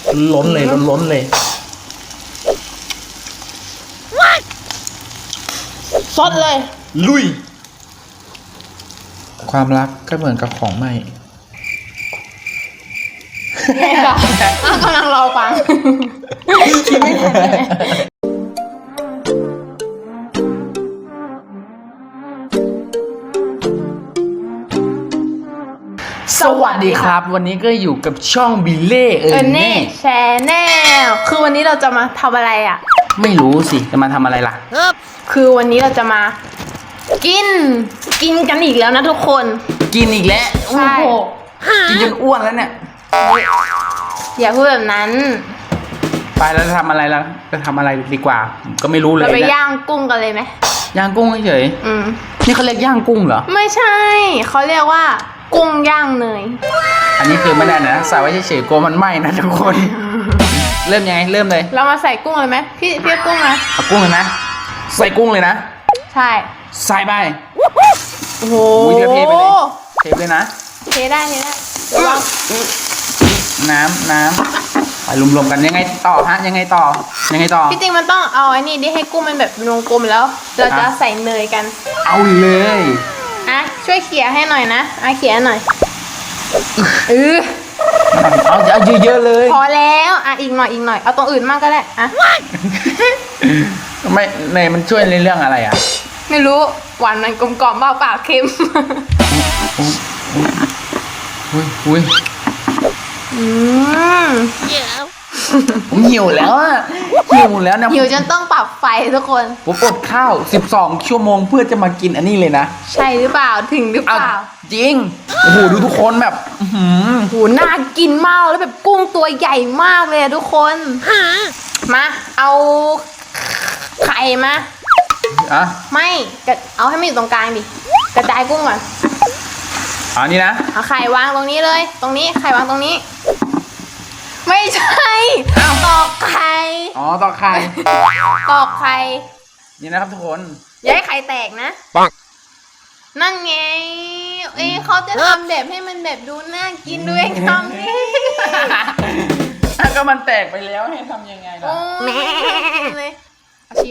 ล้นเลยล้นเลยสดเลยลุยความรักก็เหมือนกับของใหม่เนี่ยค่ะกำลังรอฟังคิดไม่ทันเลยสวัสดีครับวันนี้ก็อยู่กับช่องบิเล่เน่แชร์แนลคือวันนี้เราจะมาทำอะไรอ่ะไม่รู้สิจะมาทำอะไรล่ะคือวันนี้เราจะมากินกันอีกแล้วนะทุกคนกินอีกแล้วใช่กินจนอ้วนแล้วเนี่ยอย่าพูดแบบนั้นไปแล้วจะทำอะไรล่ะจะทำอะไรดีกว่าก็ไม่รู้เลยเราไปย่างกุ้งกันเลยไหมย่างกุ้งเฉยนี่เขาเรียกย่างกุ้งเหรอไม่ใช่เขาเรียกว่ากุ้งย่างเนยอันนี้คือไม่ได้นะใส่ไว้เฉยๆกลัวมันไหม้นะทุกคนเริ่มยังไงเริ่มเลยเรามาใส่กุ้งเลยไหมพี่กุ้งนะเอากุ้งเลยนะใส่กุ้งเลยนะใช่ใส่ไปโอ้โหเทไปเลยเทเลยนะเทได้ระวังน้ำไปรวมๆกันยังไงต่อฮะยังไงต่อที่จริงมันต้องเอาไอ้นี่ดิให้กุ้งมันแบบวงกลมแล้วเราจะใส่เนยกันเอาเลยช่วยเขี่ยให้หน่อยนะเขี่ยหน่อยเอาเยอะๆเลยพอแล้วอีกหน่อยเอาตรงอื่นมากก็ได้ไม่เนยมันช่วยในเรื่องอะไรไม่รู้หวานมันกลมกล่อมเปล่าเค็มอุ้ยผมหิวแล้วนะหิวจนต้องปรับไฟทุกคนผมอดข้าว12 ชั่วโมงเพื่อจะมากินอันนี้เลยนะใช่หรือเปล่าถึงหรือเปล่าจริงโอ้โหดูทุกคนแบบโหน่ากินมากแล้วแบบกุ้งตัวใหญ่มากเลยทุกคนมาเอาไข่มาไม่เอาให้มันอยู่ตรงกลางดิกระจายกุ้งก่อนนี่นะเอาไข่วางตรงนี้เลยตรงนี้ไข่วางตรงนี้ไม่ใช่ตอกไข่ตอกไข่นี่นะครับทุกคนอย่าให้ไข่แตกนะปังนั่นไงเขาจะทำแบบให้มันแบบดูน่ากินด้วยทำนี่ก็มันแตกไปแล้วให้ทำยังไงล่ะเลยเอาชิ้น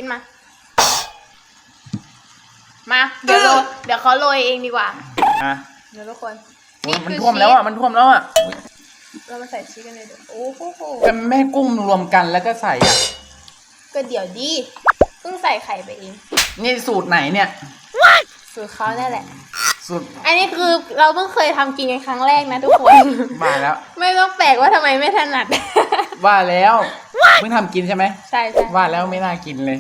มาเดี๋ยวเขาโรยเองดีกว่าเดี๋ยวทุกคนมันท่วมแล้วเรามาใส่ชีสกันเลยโอ้โหแต่แม่กุ้งรวมกันแล้วก็ใส่ก็เดี๋ยวดิเพิ่งใส่ไข่ไปเองนี่สูตรไหนเนี่ยสูตรเขาได้แหละสูตรอันนี้คือเราเพิ่งเคยทำกินกันครั้งแรกนะทุกคนมาแล้วไม่ต้องแปลกว่าทำไมไม่ถนัดว่าแล้วเพิ่งทำกินใช่ไหมใช่ว่าแล้วไม่น่ากินเลย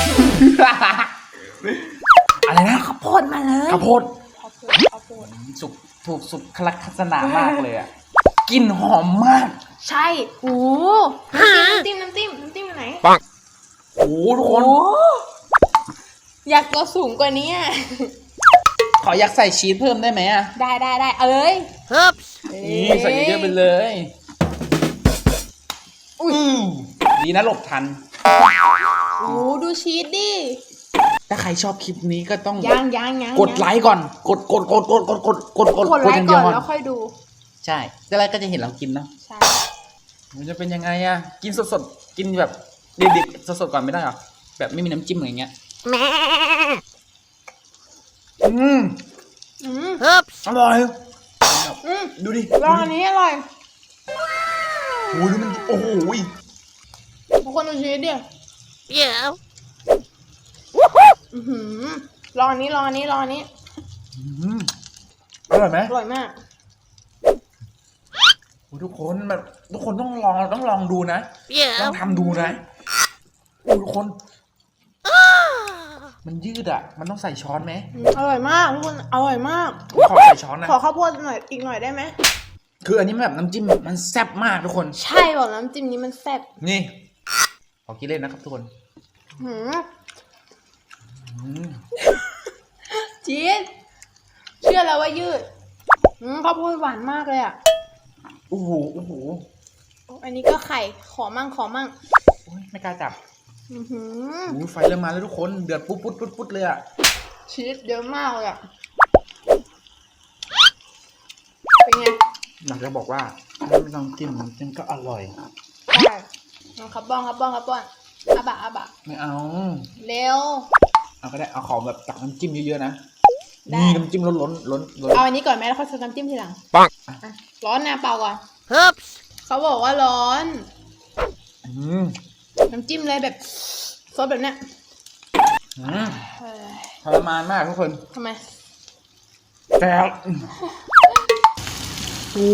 อะไรนะข้าวโพดมาเลยข้าวโพดถูกสุขลักษณะมากเลยกลิ่นหอมมากใช่โอ้น้ำจิ้มอยู่ไหนปังโอ้ทุกคนอยากตัวสูงกว่านี้ขออยากใส่ชีสเพิ่มได้ไหมได้เอ้ยนี่ใส่เยอะไปเลยดีนะหลบทันโอ้ดูชีสดิถ้าใครชอบคลิปนี้ก็ต้องยังกดไลค์ก่อนกดไลค์ก่อนแล้วค่อยดูใช่แล้วก็จะเห็นเรากินเนาะใช่มันจะเป็นยังไงกินสดกินแบบดิบๆสดก่อนไม่ได้หรอแบบไม่มีน้ำจิ้มอะไรเงี้ยอร่อยดูดิลองอันนี้อร่อยโอ้ยดูมันโอ้โหทุกคนดูชีสดิลองอันนี้อร่อยไหมอร่อยมากทุกคนแบบทุกคนต้องลองดูนะต้องทำดูนะทุกคนมันยืดมันต้องใส่ช้อนไหมอร่อยมากทุกคนอร่อยมากขอใส่ช้อนนะขอข้าวโพดอีกหน่อยได้ไหมคืออันนี้แบบน้ำจิ้มมันแซ่บมากทุกคนใช่บอกน้ำจิ้มนี้มันแซ่บนี่ขอกินเล่นนะครับทุกคนจี๊ดเชื่อแล้วว่ายืดข้าวโพดหวานมากเลยโอ้โหอันนี้ก็ไข่ขอมั่งไม่กล้าจับไฟเริ่มมาแล้วทุกคนเดือดปุ๊ดเลยชีสเยอะมากเลยเป็นไงอยากจะบอกว่าถ้าไม่ต้องจิ้มก็อร่อยครับบ้องครับอาบะไม่เอาเร็วเอาก็ได้เอาของแบบตักน้ำจิ้มเยอะๆนะได้นี่น้ำจิ้มล้นเอาอันนี้ก่อนไหมแล้วค่อยใส่น้ำจิ้มทีหลังปังอ่ะร้อนนะเปล่าก่อนฮึบเขาบอกว่าร้อนอืมน้ำจิ้มเลยแบบซดแบบเนี้ยอืมเฮ้ยทรมานมากทุกคนทำไมแต่โอ้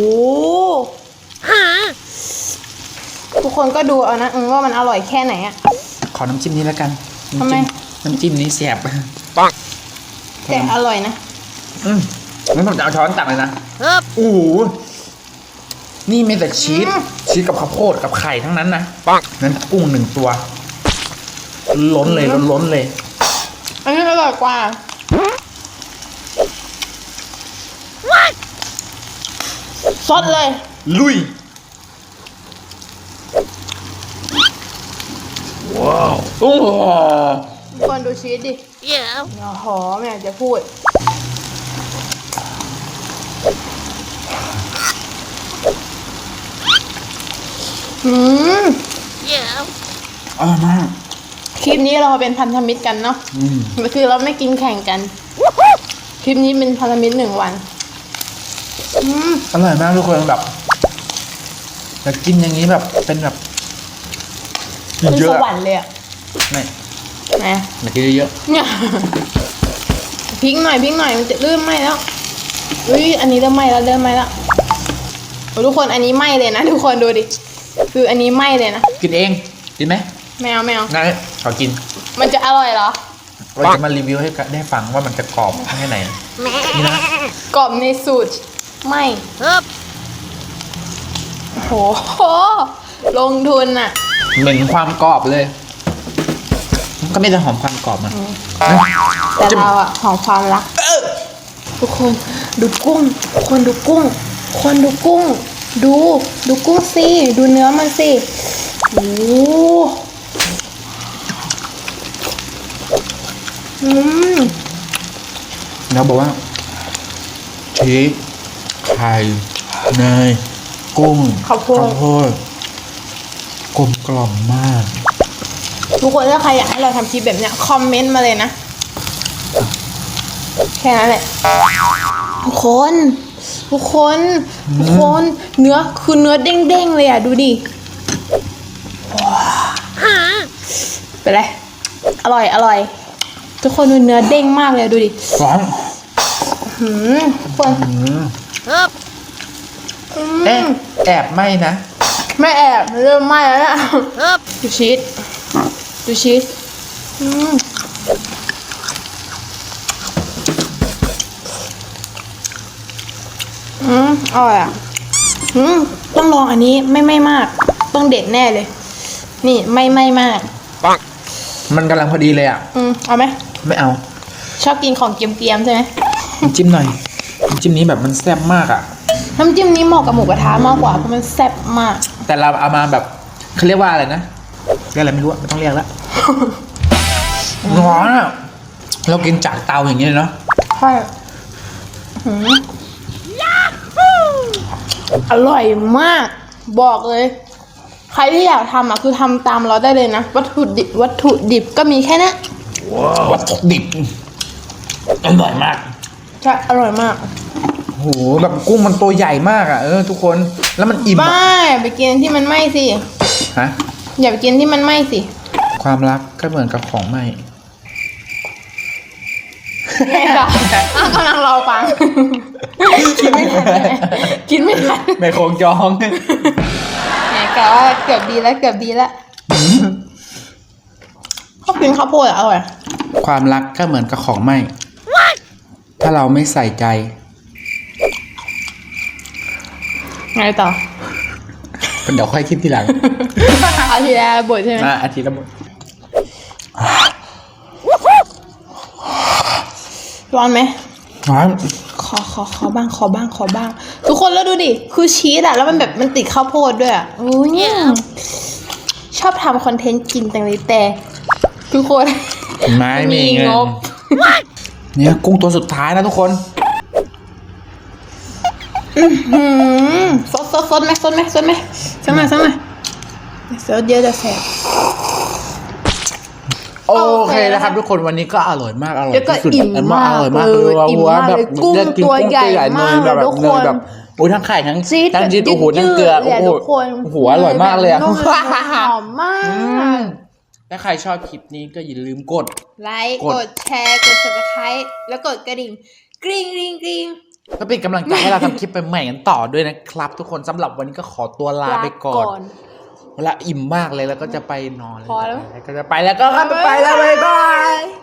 ทุกคนก็ดูเอานะว่ามันอร่อยแค่ไหนอะขอน้ำจิ้มนี้แล้วกันทำไมน้ำจิ้มนี้แสบปังแต่อร่อยนะงั้นผมจะเอาช้อนตักเลยนะฮึบโอ้โหนี่มีแต่ชีสกับข้าวโพดกับไข่ทั้งนั้นนะปังนั้นกุ้ง1 ตัว ล้นเลยล้นเลยอันนี้อร่อยกว่าซดเลยลุย ว้าว โอ้โหทุกคนดูชีสดิเดี๋ยวโอ้โหไม่อยากจะพูด อืมเดี๋ยวอร่อยมากคลิปนี้เราเป็นพันธมิตรกันเนาะอืมคือเราไม่กินแข่งกัน คลิปนี้เป็นพันธมิตร1 วันอร่อยมากทุกคนแบบอยากกินอย่างนี้แบบเป็นแบบเป็นเยสอะวรรค์เลยอะไม่นะอยากกินเยอะเนี่ยพริกหน่อยมันจะเริ่มไหม้แล้วอุ้ยอันนี้เริ่มไหม้แล้วโอ้ทุกคนอันนี้ไหม้เลยนะทุกคนดูดิคืออันนี้ไหม้เลยนะกินเองกินไหมไม่เอางั้นขอกินมันจะอร่อยเหรอเราจะมารีวิวให้ได้ฟังว่ามันจะกรอบแค่ไหนนี่นะกรอบในสูตรไม่ฮึบโหลงทุนอะเหม็นความกรอบเลย ก็ไม่ได้หอมความกรอบมันแต่เราอะหอมความรักทุกคนดูกุ้งคนดูกุ้ง ดูกุ้งสิดูเนื้อมันสิโอ้มแล้วบอกว่าชีสไข่เนยกุ้งข้าวโพดกลมกล่อมมากทุกคนถ้าใครอยากให้เราทำคลิปแบบเนี้ยคอมเมนต์มาเลยนะ แค่นั้นแหละทุกคนเนื้อคือเนื้อเด้งๆเลยอ่ะดูดิเป็นไรอร่อย ทุกคนดูเนื้อเด้งมากเลยดูดิร้อนทุกคนฮึบเอ๊ะแอบไหมนะไม่แอบเริ่มไหม้แล้วนะฮึบดูชีสอร่อยอ่ะต้องลองอันนี้ไม่มาก ต้องเด็ดแน่เลย นี่ไม่มากปังมันกำลังพอดีเลยอ่ะเอาไหมไม่เอาชอบกินของเกรียมๆใช่ไหมน้ำจิ้มหน่อยน้ำจิ้มนี้แบบมันแซ่บมากอ่ะน้ำจิ้มนี้เหมาะกับหมูกระทะมากกว่าเพราะมันแซ่บมากแต่เราเอามาแบบเขาเรียกว่าอะไรนะเรียกอะไรไม่รู้อะไม่ต้องเรียกแล้ว ร้อนอ่ะเรากินจากเตาอย่างนี้เลยเนาะใช่อร่อยมาก บอกเลย ใครที่อยากทำอ่ะคือทำตามเราได้เลยนะ วัตถุดิบก็มีแค่นี้วัตถุดิบอร่อยมากใช่อร่อยมากโหแบบกุ้งมันตัวใหญ่มากอ่ะทุกคนแล้วมันอิ่มบ้าอะไปกินที่มันไหม้สิฮะอย่าไปกินที่มันไหม้สิความรักก็เหมือนกับของไหมไงต่อกำลังรอฟัง กินไม่ทันเลยกินไม่ทันในโคงจองไงก็เกือบดีแล้วชอบกินข้าวโพดอ่ะอร่อยความรักก็เหมือนกับของไหมถ้าเราไม่ใส่ใจไงต่อเดี๋ยวค่อยคิดทีหลังเอาทีละบทใช่ไหมอาทิตย์ละหมดร้อนไหมร้อนขอบ้าง ทุกคนแล้วดูดิ คือชีสอะแล้วมันแบบมันติดข้าวโพดด้วยอะโอ้ยเนี่ยชอบทำคอนเทนต์กินจังเลยแต่ ทุกคนไม่มีเงิงนบเนี่ยกุ้งตัวสุดท้ายนะทุกคนซดไหมเซิร์ชเยอะจะแสบโอเคนะครับทุกคนวันนี้ก็อร่อยมากอร่อยแล้วก็ที่สุดอิ่มมากอร่อยมากเลยว่าอิ่มหัวมากแบบเลยกุ้งเลือกกินตัวใหญ่เนยมากแบบทุกคนเนยแบบโอ้ยทั้งไข่ทั้งซีดทั้งชีสแบบโอ้โหทั้งเกลือยืดๆเลยโอ้โหทุกคนโอ้โหอร่อยมากเลยอะนุ่มหอมมากถ้าใครชอบคลิปนี้ก็อย่าลืมกดไลค์กกดดแชร์กด subscribe แล้วกดกระดิ่งกริ๊งกริ๊งกริ๊งก็เป็นกำลังใจให้เราทำคลิปใหม่ๆกันต่อด้วยนะครับ ทุกคนสำหรับวันนี้ก็ขอตัวลาไปก่อนเวลาอิ่มมากเลยแล้วก็จะไปนอนพอแล้วก็จะไปแล้วก็ไปแล้วบ๊ายบาย